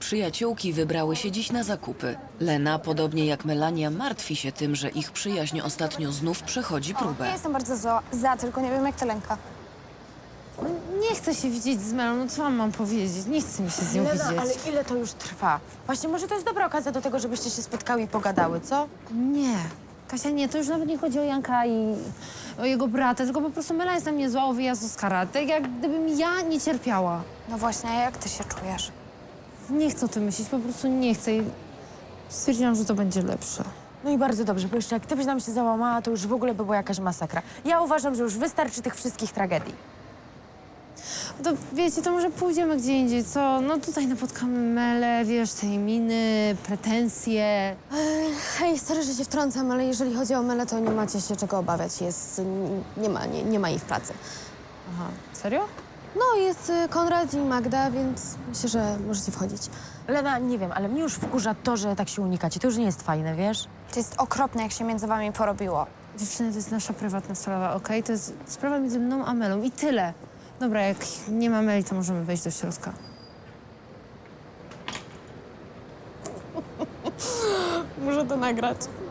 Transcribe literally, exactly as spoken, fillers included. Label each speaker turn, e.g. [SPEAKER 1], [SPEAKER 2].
[SPEAKER 1] Przyjaciółki wybrały się dziś na zakupy. Lena, podobnie jak Melania, martwi się tym, że ich przyjaźń ostatnio znów przechodzi
[SPEAKER 2] Ja
[SPEAKER 1] próbę.
[SPEAKER 2] jestem bardzo za, za, tylko nie wiem jak to Lenka.
[SPEAKER 3] No, nie chcę się widzieć z Melą, no co wam mam powiedzieć? Nie chcę mi się z nią
[SPEAKER 4] Lena,
[SPEAKER 3] widzieć.
[SPEAKER 4] ale ile to już trwa? Właśnie może to jest dobra okazja do tego, żebyście się spotkały i pogadały, co?
[SPEAKER 3] Nie. Kasia, nie, to już nawet nie chodzi o Janka i o jego brata, tylko po prostu Mela jest na mnie zła o wyjazd Oskara. Tak jak gdybym ja nie cierpiała.
[SPEAKER 2] No właśnie, a jak ty się czujesz?
[SPEAKER 3] Nie chcę o tym myśleć, po prostu nie chcę i stwierdziłam, że to będzie lepsze.
[SPEAKER 4] No i bardzo dobrze, bo jeszcze jak ty byś nam się załamała, to już w ogóle by była jakaś masakra. Ja uważam, że już wystarczy tych wszystkich tragedii.
[SPEAKER 3] To wiecie, to może pójdziemy gdzie indziej, co? No tutaj napotkamy Melę, wiesz, tej miny, pretensje.
[SPEAKER 5] Hej, sorry, że się wtrącam, ale jeżeli chodzi o Melę, to nie macie się czego obawiać. Jest, nie ma, nie, nie ma jej w pracy.
[SPEAKER 3] Aha, serio?
[SPEAKER 5] No, jest y, Konrad i Magda, więc myślę, że możecie wchodzić.
[SPEAKER 4] Lena, nie wiem, ale mnie już wkurza to, że tak się unikacie. To już nie jest fajne, wiesz?
[SPEAKER 2] To jest okropne, jak się między wami porobiło.
[SPEAKER 3] Dziewczyny, to jest nasza prywatna sprawa, okej? To jest sprawa między mną a Melą i tyle. Dobra, jak nie ma Meli, to możemy wejść do środka.
[SPEAKER 5] Muszę to nagrać.